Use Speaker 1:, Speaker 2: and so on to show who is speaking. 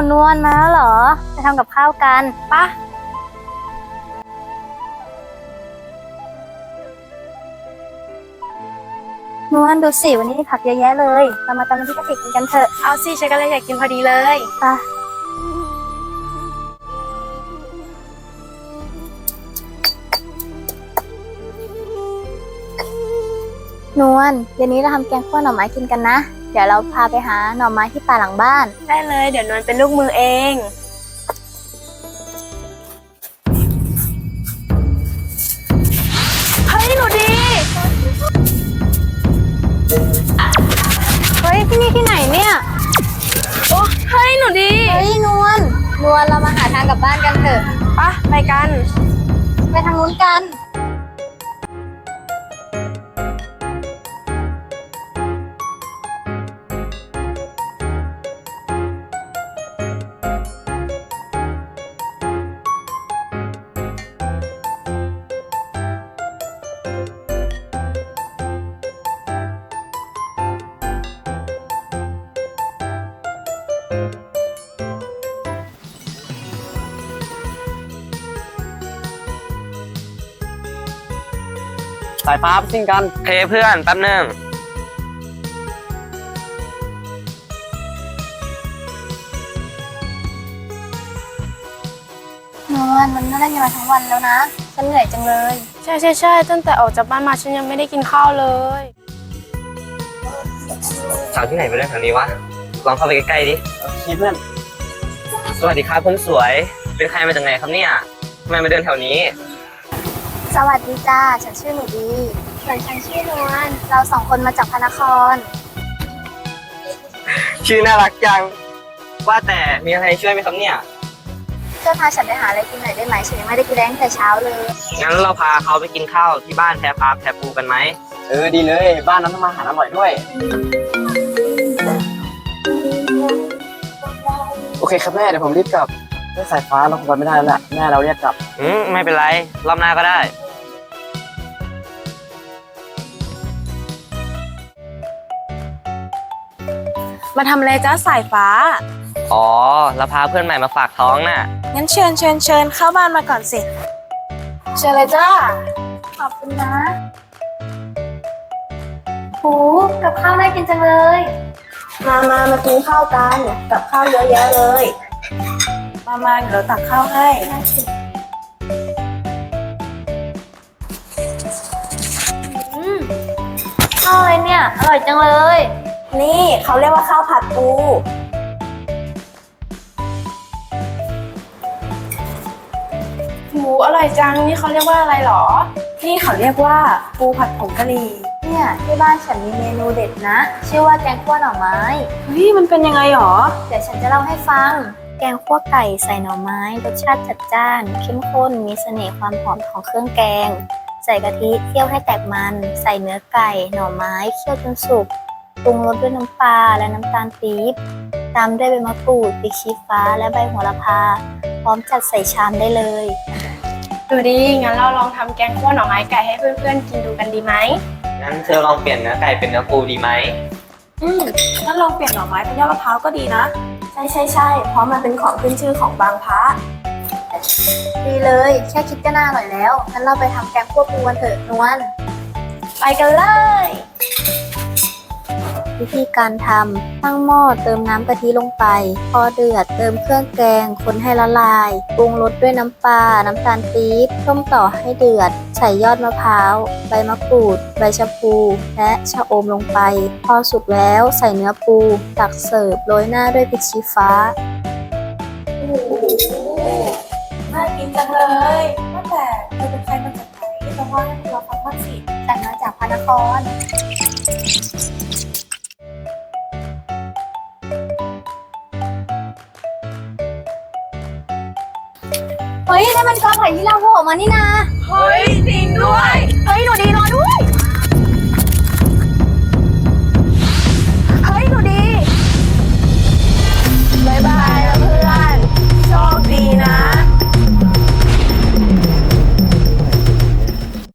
Speaker 1: นวลมาแล้วเหรอไปทำกับข้าวกันปะนวลดูสิวันนี้มีผักเยอะแยะเลยเรามาตำน้ำพริกกะปิกินกันเถอะ
Speaker 2: เอาสิฉันก็เลยอยากกินพอดีเลย
Speaker 1: ปะนวลเดี๋ยวนี้เราทำแกงคั่วหน่อไม้กินกันนะเดี๋ยวเราพาไปหาหน่อไม้ที่ป่าหลังบ้าน
Speaker 2: ได้เลยเดี๋ยวนวลเป็นลูกมือเองเฮ้ยหนูดี
Speaker 1: เฮ้ยที่นี่ที่ไหนเนี่ย
Speaker 2: โอ้เฮ้ยหนูดี
Speaker 1: เฮ้ยนวลเรามาหาทางกลับบ้านกันเถอะ
Speaker 2: ปะไปกัน
Speaker 1: ไปทางนู้นกัน
Speaker 3: สายฟ้าไปซิ่งกัน
Speaker 4: เคเพื่อนแป๊บนึง
Speaker 1: นวลมันไม่ได้เงินมาทั้งวันแล้วนะฉันเหนื่อยจังเลย
Speaker 2: ใช่ตั้งแต่ออกจากบ้านมาฉันยังไม่ได้กินข้าวเลย
Speaker 4: สาวที่ไหนไปเรื่องแถวนี้วะลองเข้าไปใกล้ๆดิ
Speaker 3: เพื่อน
Speaker 4: สวัสดีครับคนสวยเป็นใครมาจากไหนครับเนี่ยทำไมมาเดินแถวนี้
Speaker 1: สวัสดีจ้าฉันชื่อหนูดีส่วนฉันชื่อนวลเราสองคนมาจากพระนคร
Speaker 4: ชื่อน่ารักจังว่าแต่มีอะไรช่วยไหมครับเนี่ย
Speaker 1: ช่วยพาฉันไปหาอะไรกินหน่อยได้ไหมฉันยังไม่ได้กินแรงแต่เช้าเลย
Speaker 4: งั้นเราพาเขาไปกินข้าวที่บ้านแพรพาแพรปูกันไหม
Speaker 3: ดีเลยบ้านนั้นทำอาหารอร่อยด้วยโอเคครับแม่เดี๋ยวผมรีบกลับด้วยสายฟ้าเราคงไปไม่ได้แล้วแหละแม่เราเรียกกลับ
Speaker 4: ไม่เป็นไรรอบหน้าก็ได้
Speaker 2: มาทำอะไรจ้าสายฟ้า
Speaker 4: อ๋อเราพาเพื่อนใหม่มาฝากท้องน่ะ
Speaker 2: งั้นเชิญเข้าบ้านมาก่อนสิ
Speaker 1: เชิญเลยจ้าขอบคุณนะโหกับข้าวน่ากินจังเลยมากินข้าวกันกับข้าวเยอะแยะเลย
Speaker 2: มาเดี๋ยวตักข้าวให้
Speaker 1: ข้าวอะไรเนี่ยอร่อยจังเลย
Speaker 2: นี่เขาเรียกว่าข้าวผัดปูหูอร่อยจังนี่เขาเรียกว่าอะไรหรอนี่เขาเรียกว่าปูผัดผงกะหรี่
Speaker 1: เนี่ยที่บ้านฉันมีเมนูเด็ดนะชื่อว่าแกงคั่วหน่อไม้
Speaker 2: เฮ้ยมันเป็นยังไงหรอ
Speaker 1: เดี๋ยวฉันจะเล่าให้ฟังแกงคั่วไก่ใส่หน่อไม้รสชาติจัดจ้านเข้มข้นมีเสน่ห์ความหอมของเครื่องแกงใส่กะทิเคี่ยวให้แตกมันใส่เนื้อไก่หน่อไม้เคี่ยวจนสุกปรุงรสด้วยน้ำปลาและน้ำตาลปี๊บตามด้วยใบมะกรูดพริกชี้ฟ้าและใบโหระพาพร้อมจัดใส่ชามได้เลย
Speaker 2: ดูดีงั้นเราลองทำแกงคั่วหน่อไม้ไก่ให้เพื่อนๆกินดูกันดีไหม
Speaker 4: งั้นเธอลองเปลี่ยนเนื้อไก่เป็นเนื้อปูดีไหม
Speaker 2: งั้นลองเปลี่ยนหน่อไม้เป็นยอดมะพร้าวก็ดีนะใช่เพราะมันเป็นของขึ้นชื่อของบางพระ
Speaker 1: ดีเลยแค่คิดก็น่าอร่อยแล้วงั้นเราไปทำแกงคั่วปูกันเถอะนวล
Speaker 2: ไปกันเลย
Speaker 1: วิธีการทำตั้งหม้อเติมน้ำกะทิลงไปพอเดือดเติมเครื่องแกงคนให้ละลายปรุงรสด้วยน้ำปลาน้ำตาลปี๊บต้มต่อให้เดือดใส่ยอดมะพร้าวใบมะกรูดใบชะพูและชะอมลงไปพอสุกแล้วใส่เนื้อปูตักเสิร์ฟโรยหน้าด้วยพริกชี้ฟ้า
Speaker 2: โอ้โหน่ากินจังเลยว่าแต่เธอเป็นใครมาจากไหนต้องว่าให้เราฟังบ้างสิ
Speaker 1: แต่มาจากพระนครเฮ้ยนี่มันกอไผ่ที่เราโผล่มานี่นา
Speaker 2: เฮ้ย